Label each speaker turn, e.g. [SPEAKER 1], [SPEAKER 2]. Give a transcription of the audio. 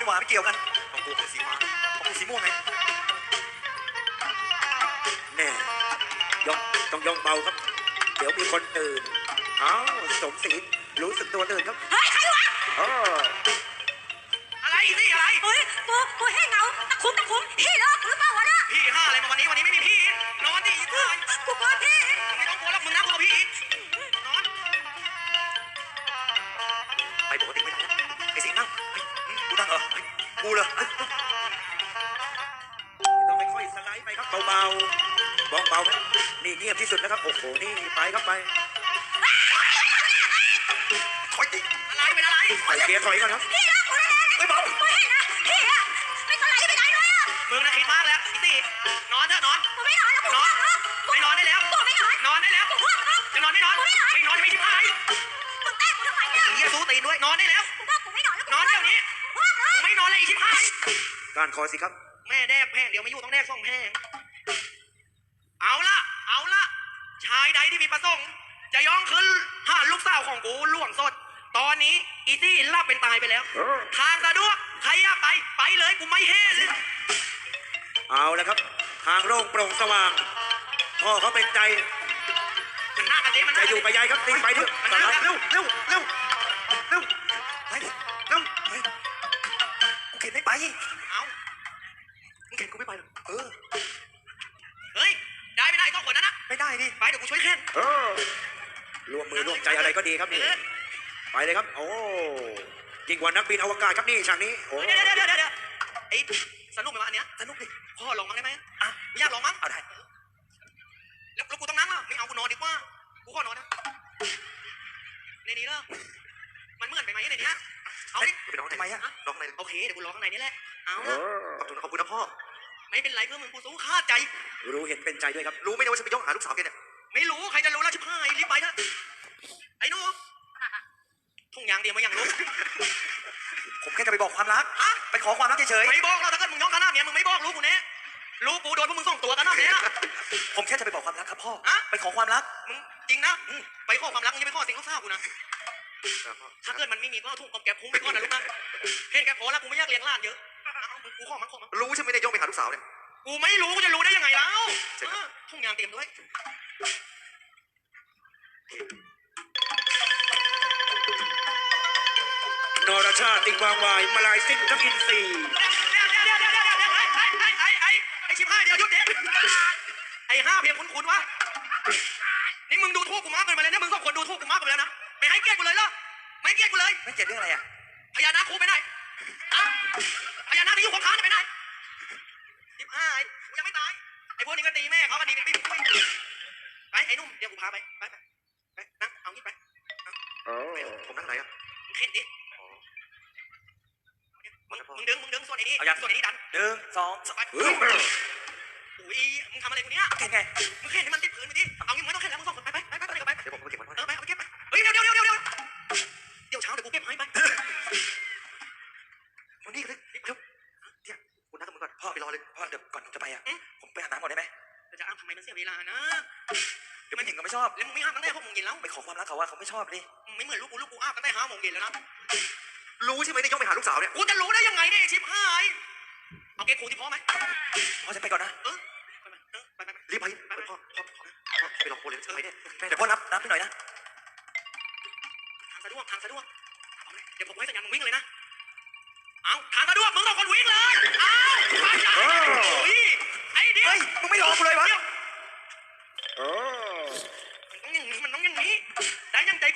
[SPEAKER 1] ดีกว่าไม่เกี่ยวกัน
[SPEAKER 2] ของกูคือสีฟ้า
[SPEAKER 1] ของกูสีม่วงไง
[SPEAKER 3] แน่ย่องต้องย่องเบาครับ เดี๋ยวมีคนตื่นอ้าวสมศรีรู้สึกตัวตื่นครับ
[SPEAKER 4] เฮ้ยใครวะ
[SPEAKER 3] อ๋อ
[SPEAKER 2] อะไรสิอะไร
[SPEAKER 4] เฮ้ยกูให้เงาตะคุ่มพี่เลิกหรือเปล่าวะน่ะ
[SPEAKER 2] พี่ห้าอะไรมาวันนี้ไม่มีพี่นอนดิอีกที
[SPEAKER 4] กูกลัวพี่
[SPEAKER 2] ไม่ต้องกลัวแล้วมึงนะกลัวพี่นอน
[SPEAKER 1] ไปปกติไม่ได้ไอ้สิงห์นั่งกูนั่งเหรอกูเลย
[SPEAKER 3] ต้องค่อยๆสไลด์ไปครับเบาๆเบาๆครับนี่เงียบที่สุดนะครับโอ้โหนี่ไปครับไป
[SPEAKER 1] ถอยดิ
[SPEAKER 2] อะไรเป็นอะไร
[SPEAKER 3] ใส่เกียร์ถอยก่อนครับ
[SPEAKER 4] พี่เลิกกูเลยนะ
[SPEAKER 1] ไม่เบา
[SPEAKER 4] กูให้นะพี่อะไม่สไลด์ไปไหนเลยอะ
[SPEAKER 2] มึงนะคิดมากแล้วอีสี่นอนเถอะนอน
[SPEAKER 4] กูไม่นอนแล้วกู
[SPEAKER 2] นอน
[SPEAKER 4] ง่วง
[SPEAKER 2] ไม่นอนได้แล้ว
[SPEAKER 4] กูไม่นอน
[SPEAKER 2] นอนได้แล้ว
[SPEAKER 4] กูง่วงแล้ว
[SPEAKER 2] จะนอนไม่นอนไม่นอนจะไม่ชิบหาย
[SPEAKER 4] มึงแกล้งกูทำไมเนี่ย
[SPEAKER 2] เฮียสู้ตีนด้วยนอนได้แล้ว
[SPEAKER 4] กูบอกกูไม่นอนแล้ว
[SPEAKER 2] นอนเดี๋ยวนี้
[SPEAKER 4] ง่วงแล้ว
[SPEAKER 2] มึงไม่นอนเลยอีชิบหาย
[SPEAKER 3] การคอสิครับ
[SPEAKER 2] แม่แดกแพงเดี๋ยวไม่อยู่ต้องแดกสองแพงเอาละชายใดที่มีประสงค์จะย่องขึ้นหาลูกสาวของกูล่วงสด ตอนนี้อีซี่ลับเป็นตายไปแล้ว ทางสะดวกใครอยากไปเลยกูไม่เฮ้เลย
[SPEAKER 3] เอาแล้วครับ ทางโล่งโปร่งสว่างพ่อเขาเป็นใจ
[SPEAKER 2] มันหน้ากันสิมันห
[SPEAKER 3] จะ
[SPEAKER 2] น้า
[SPEAKER 3] อยู่ไปยายครับตีไปเถอะสไลด์
[SPEAKER 1] เร็วเร็วเร็วเร็วไปเร็วกูเข็นไม่ไป
[SPEAKER 2] เอา
[SPEAKER 1] มึงเข็นกูไม่ไปหรอก
[SPEAKER 2] เฮ้ยได้ไม่ได้ต้องคนนั้นนะ
[SPEAKER 1] ไม่ได้ดิ
[SPEAKER 2] ไปเดี๋ยวกูช่วยแค่น
[SPEAKER 3] ร่วมมือร่วมใจอะไรก็ดีครับนี่ไปเลยครับ โอ้ยิ่งกว่านักบินอวกาศครับนี่ฉากนี้โอ้
[SPEAKER 2] เดี๋ยวไอ้สนุกไหมวะอันเนี้ยสนุกดิพ่อลองมั้งได้ไหมอ่ะไม่อยากลองมั้ง
[SPEAKER 1] เอาได้
[SPEAKER 2] แล้วกูต้องนั่งอ่ะไม่เอากูนอนดีกว่ากูขอนอนนะในนี้เหรอมันเหมือนไปไหมในนี้เอาดิ
[SPEAKER 1] ไปร้องทำไมอะร้องอะไร
[SPEAKER 2] โอเคเดี๋ยวกูร้องข้างในนี่แหละเอา
[SPEAKER 1] ขอบคุณนะพ่อ
[SPEAKER 2] ไม่เป็นไรเพื่อนมึงกูสู้ฆ่าใจ
[SPEAKER 3] รู้เห็นเป็นใจด้วยครับ
[SPEAKER 1] รู้ไหมว่าฉันไปย่องหาลูกสาวแกเนี่ย
[SPEAKER 2] ไม่รู้ใครจะรู้แล้วชิบหายรีบไปเถอะไอ้หนูทุ่งยางเดียวมาอย่างรู้
[SPEAKER 1] ผมแค่จะไปบอกความรักไปขอความรักเฉย
[SPEAKER 2] ไม่บอกเราถ้าเกิดมึงย่องขนาดเนี้ยมึงไม่บอกรู้กูแน่รู้กูโดนพวกมึงส่งตัวกันนะเนี่ย
[SPEAKER 1] ๆผมแค่จะไปบอกความรักครับพ่อ
[SPEAKER 2] อะ
[SPEAKER 1] ไปขอความรัก
[SPEAKER 2] มึงจริงนะไปขอความรักมึงจะไปขอสิ่งลูกสาวกูนะถ้าเกิดมันไม่มีก็เอาถุงกบแกบคุ้มไปก่อนนะลูกนะเห็นแกพอแล้วกูไม่อยากเลี้ยงหลานเยอะเอามึงกูขอมัน
[SPEAKER 1] รู้ใช่ไหมได้ย่องไปหาลูกสาวเนี่ย
[SPEAKER 2] กูไม่รู้กูจะรู้ได้ยังไงแล้วทุ่งยางเตรียมด้วย
[SPEAKER 3] นรชาติติงวางวายมาลายสิ้นทับอินทรีย์
[SPEAKER 2] ไอ้ชิบห้าเดี๋ยวหยุดเด็ไอ้ห้าเพียงคุ้นๆวะนี่มึงดูถูกกูมากเกินไปเลยนะมึงสองคนดูถูกกูมากเกินไปแล้วนะไม่ให้เกียรติกูเลยเหรอไม่เกียรติกูเลย
[SPEAKER 1] ไม่เจ็บเรื่องอะไรอะ
[SPEAKER 2] พญานาคกูไปไหนพญานาคที่อยู่ของข้าไปไหนชิบห้ากูยังไม่ตายไอ้พวกนี้ก็ตีแม่เขาก็ดีเป็นปิ๊บไปไอ้นุ่มเดี๋ยวกูพาไปนั่งเอางี้ไป
[SPEAKER 1] ผมนั่งไหนอะ
[SPEAKER 2] มึงเข็นดิมึงดึงส่วนไอ้นี่ส่วนไอ้นี่ดัน
[SPEAKER 1] 1 2 3
[SPEAKER 2] ไปอุ้ยมึงทำอะไรกูเนี่ย
[SPEAKER 1] เก่งไง
[SPEAKER 2] มึงเข็นให้มันติดพื้นไปดิเอางี้มึงไม่ต้องเข็นแล้วมึงสองคนไปเดี๋ยวไป
[SPEAKER 1] เดี๋ยวผมไปเก็บมันไว้
[SPEAKER 2] ไปเอาเก็บไปเฮ้ยเดี๋ยวเช้าเดี๋ยวกูเก็บให้ไป
[SPEAKER 1] วันนี้ก็เลยเร็วเนี่ยคุณนัดกับมึงก่อนพ่อไปรอเลยพ่อเดี๋ยวก่อนผมจะไปอะผมไปอาบน้ำก่อนได้ไหม
[SPEAKER 2] จะอ้ามทำไมมันเสียเวลานะ
[SPEAKER 1] เดี๋ยวมันหญิงก็ไม่ชอบ
[SPEAKER 2] แล้วมึงไม่ห้ามตั้งแต่6 โมงเย็นแล้ว
[SPEAKER 1] ไปขอความรักเขาว่าเขาไม่ชอบเลย
[SPEAKER 2] ไม่เหมือนลูกกูอ้ามตั้งแต่5 โมงเย็นแล้วนะ
[SPEAKER 1] รู้ใช่ไหมได้ย่องไปหาลูกสาวเนี่ย
[SPEAKER 2] กูจะรู้ได้ยังไงเนี่ยชิบหายเอาเก็บครูที่พ่อไหม
[SPEAKER 1] พ่อจะไปก่อนนะ
[SPEAKER 2] ไป
[SPEAKER 1] รีบไปพ่อไปรอโคเลยไปเนี่ยเดี๋ยวพ่อนับให้หน่อยนะ
[SPEAKER 2] ทางสะดวกเดี๋ยวผมให้สัญญาณมึงวิ่งเลยนะเอาทางสะดวกมึงต้องคนวิ่งเลยเอาไปโอ้ยไอ้เดี๋ยว
[SPEAKER 1] เฮ้ยมึงไม่รอกูเลยวะ
[SPEAKER 3] โอ้
[SPEAKER 2] มันต้องอย่างนี้ได้ยังใจ